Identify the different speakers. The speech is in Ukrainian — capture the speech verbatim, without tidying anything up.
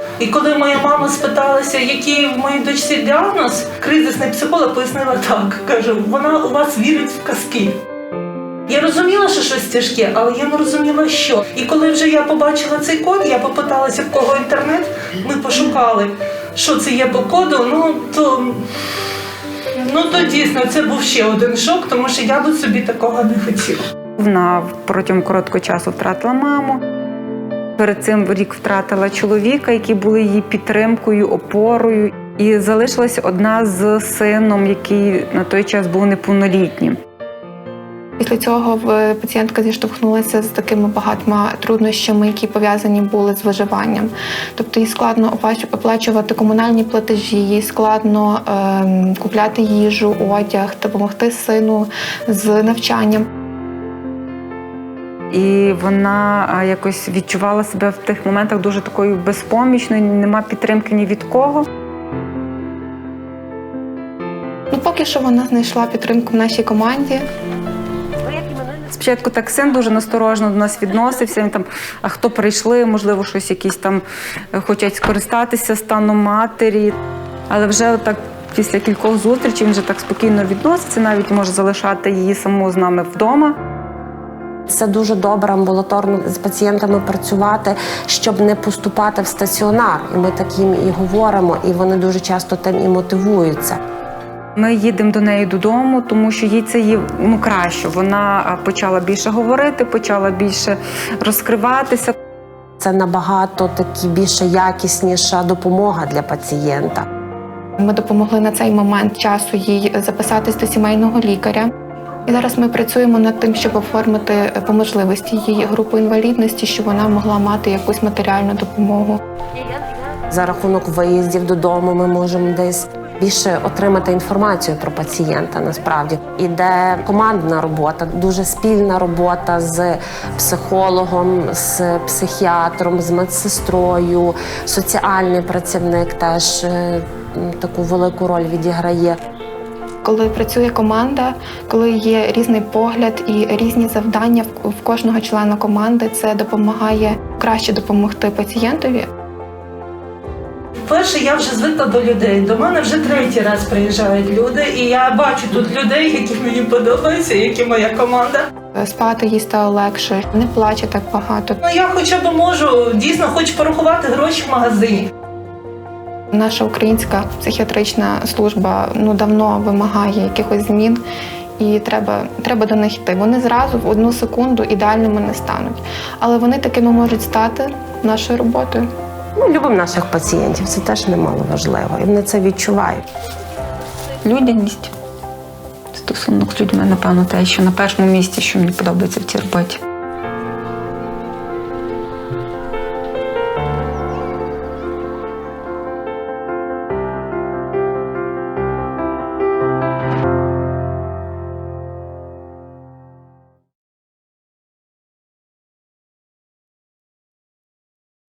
Speaker 1: І коли моя мама спиталася, який в моїй дочці діагноз, кризисний психолог пояснила так, каже, вона у вас вірить в казки. Я розуміла, що щось тяжке, але я не розуміла, що. І коли вже я побачила цей код, я попиталася, в кого інтернет, ми пошукали, що це є по коду, ну то, ну, то дійсно це був ще один шок, тому що я би собі такого не хотіла.
Speaker 2: Вона протягом короткого часу втратила маму. Перед цим рік втратила чоловіка, які були її підтримкою, опорою. І залишилась одна з сином, який на той час був неповнолітнім.
Speaker 3: Після цього пацієнтка зіштовхнулася з такими багатьма труднощами, які пов'язані були з виживанням. Тобто їй складно оплачувати комунальні платежі, їй складно е, купляти їжу, одяг, допомогти сину з навчанням.
Speaker 2: І вона якось відчувала себе в тих моментах дуже такою безпомічною, нема підтримки ні від кого.
Speaker 3: Ну, поки що вона знайшла підтримку в нашій команді.
Speaker 2: Спочатку так син дуже насторожно до нас відносився, він там, а хто прийшли, можливо, щось якісь там хочуть скористатися станом матері. Але вже так після кількох зустрічей він вже так спокійно відноситься, навіть може залишати її саму з нами вдома.
Speaker 4: Це дуже добре амбулаторно з пацієнтами працювати, щоб не поступати в стаціонар. І ми так їм і говоримо, і вони дуже часто тим і мотивуються.
Speaker 2: Ми їдемо до неї додому, тому що їй це є, ну, краще. Вона почала більше говорити, почала більше розкриватися.
Speaker 4: Це набагато таки більше якісніша допомога для пацієнта.
Speaker 3: Ми допомогли на цей момент часу їй записатись до сімейного лікаря. І зараз ми працюємо над тим, щоб оформити по можливості її групу інвалідності, щоб вона могла мати якусь матеріальну допомогу.
Speaker 4: За рахунок виїздів додому ми можемо десь більше отримати інформацію про пацієнта насправді. Іде командна робота, дуже спільна робота з психологом, з психіатром, з медсестрою. Соціальний працівник теж таку велику роль відіграє.
Speaker 3: Коли працює команда, коли є різний погляд і різні завдання в кожного члена команди, це допомагає краще допомогти пацієнтові.
Speaker 1: Перше, я вже звикла до людей. До мене вже третій раз приїжджають люди, і я бачу тут людей, які мені подобаються, які моя команда.
Speaker 3: Спати їй стало легше, не плаче так багато.
Speaker 1: Ну, я хоча б можу дійсно хоч порахувати гроші в магазині.
Speaker 3: Наша українська психіатрична служба ну, давно вимагає якихось змін, і треба, треба до них йти. Вони зразу в одну секунду ідеальними не стануть, але вони такими можуть стати нашою роботою.
Speaker 4: Ми любимо наших пацієнтів, це теж немало важливо, і вони це відчувають.
Speaker 2: Людяність, стосунок з людьми, напевно, те, що на першому місці, що мені подобається в цій роботі.